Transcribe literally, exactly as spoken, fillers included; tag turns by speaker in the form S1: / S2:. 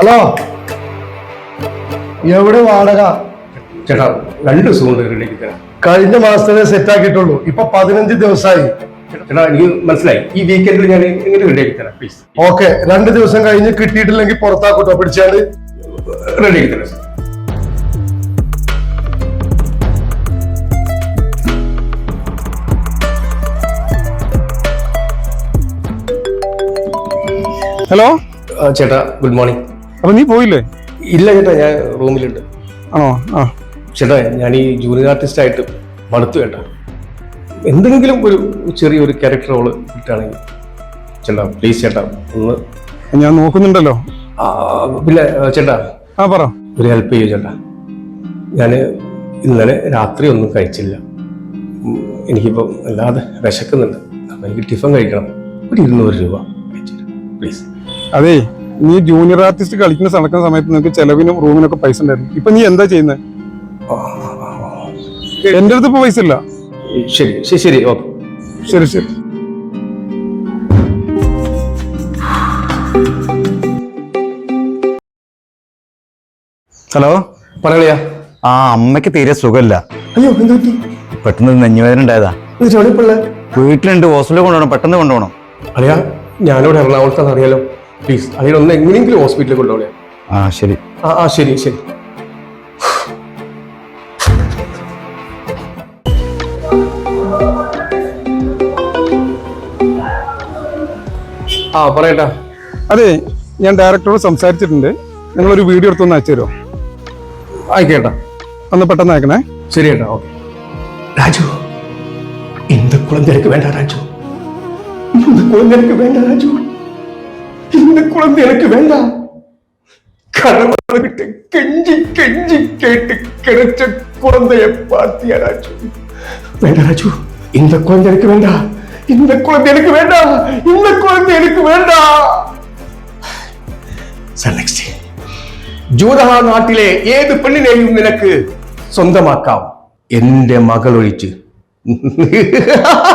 S1: Hello, എവിടെ വാടക?
S2: ചേട്ടാ രണ്ട് ദിവസം കൊണ്ട് റെഡിയാക്കി തരാം.
S1: കഴിഞ്ഞ മാസത്തെ സെറ്റ് ആക്കിയിട്ടുള്ളൂ, ഇപ്പൊ പതിനഞ്ച് ദിവസമായി.
S2: ചേട്ടാ എനിക്ക് മനസ്സിലായി, ഈ വീക്കെൻഡിൽ ഞാൻ എങ്ങനെ റെഡിയാക്കി തരാം പ്ലീസ്.
S1: ഓക്കെ, രണ്ട് ദിവസം കഴിഞ്ഞ് കിട്ടിയിട്ടില്ലെങ്കിൽ പുറത്താക്കൂട്ടോ, പിടിച്ചാണ്ട്
S2: റെഡിയാക്കി തരാം സാർ.
S3: ഹലോ
S2: ചേട്ടാ ഗുഡ് മോർണിംഗ്.
S3: അപ്പൊ നീ പോയില്ലേ?
S2: ഇല്ല ചേട്ടാ, ഞാൻ റൂമിലുണ്ട്.
S3: ആണോ? ആ
S2: ചേട്ടാ ഞാൻ ഈ ജൂനിയർ ആർട്ടിസ്റ്റ് ആയിട്ട് മടുത്തു ചേട്ടാ. എന്തെങ്കിലും ഒരു ചെറിയൊരു ക്യാരക്ടർ റോള് കിട്ടുകയാണെങ്കിൽ ചേട്ടാ പ്ലീസ് ചേട്ടാ ഒന്ന്.
S3: ഞാൻ നോക്കുന്നുണ്ടല്ലോ.
S2: ആ, പിന്നെ ചേട്ടാ
S3: ആ പറ.
S2: ഒരു ഹെൽപ്പ് ചെയ്യൂ ചേട്ടാ. ഞാൻ ഇന്നലെ രാത്രി ഒന്നും കഴിച്ചില്ല. ഉം, എനിക്കിപ്പോൾ വല്ലാതെ വിശക്കുന്നുണ്ട്. അപ്പം എനിക്ക് ടിഫൻ കഴിക്കണം. ഒരു ഇരുന്നൂറ് രൂപ പ്ലീസ്.
S3: അതേ, നീ ജൂനിയർ ആർട്ടിസ്റ്റ് കളിക്കുന്ന നടക്കുന്ന സമയത്ത് നിനക്ക് ചെലവിനും റൂമിനൊക്കെ പൈസ ഉണ്ടായിരുന്നു. ഇപ്പൊ നീ എന്താ ചെയ്യുന്നത്? എന്റെ അടുത്ത് ഇപ്പൊ പൈസ ഇല്ല.
S2: ശരി ശരി ശരി ഓക്കെ
S3: ശരി ശരി.
S4: ഹലോ,
S2: പറയാ.
S4: ആ അമ്മയ്ക്ക് തീരെ സുഖമില്ല.
S2: അയ്യോ എന്ത് പറ്റി?
S4: പെട്ടെന്ന് നെഞ്ഞുവേദന ഉണ്ടായതാ. വീട്ടിലുണ്ട്, ഹോസ്പിറ്റലിൽ കൊണ്ടുപോകണം, പെട്ടെന്ന് കൊണ്ടുപോകണം.
S2: അറിയാ, ഞാനിവിടെ എറണാകുളത്താന്ന് അറിയാലോ. പ്ലീസ് അതിനൊന്ന് എങ്ങനെയെങ്കിലും ഹോസ്പിറ്റലിൽ കൊണ്ടുപോകണേ.
S4: ആ ശരി.
S2: ആ ആ ശരി ശരി. ആ പറയട്ടാ.
S3: അതെ, ഞാൻ ഡയറക്ടറോട് സംസാരിച്ചിട്ടുണ്ട്. നിങ്ങളൊരു വീഡിയോ എടുത്തൊന്ന് അയച്ചു തരുമോ?
S2: ആയിക്കേട്ടാ,
S3: ഒന്ന് പെട്ടെന്ന് അയക്കണേ.
S2: ശരി ഏട്ടാ. ഓക്കെ. രാജു, இந்த குழந்தை எனக்கு வேண்டாம் ராஜு. இந்த குழந்தை எனக்கு வேண்டாம் ராஜு. இந்த குழந்தை எனக்கு வேண்டாம். கடவுள்கிட்ட கெஞ்சி கெஞ்சி கேட்டு கிடைச்ச குழந்தைய பார்த்தியா ராஜு? வேண்டாம் ராஜு, இந்த குழந்தை எனக்கு வேண்டாம். இந்த குழந்தை எனக்கு வேண்டாம். இந்த குழந்தை எனக்கு வேண்டாம். Sir next. ജൂതഹ നാട്ടിലെ ഏത് പെണ്ണിനെയും നിനക്ക് സ്വന്തമാക്കാം, എന്റെ മകൾ ഒഴിച്ച്.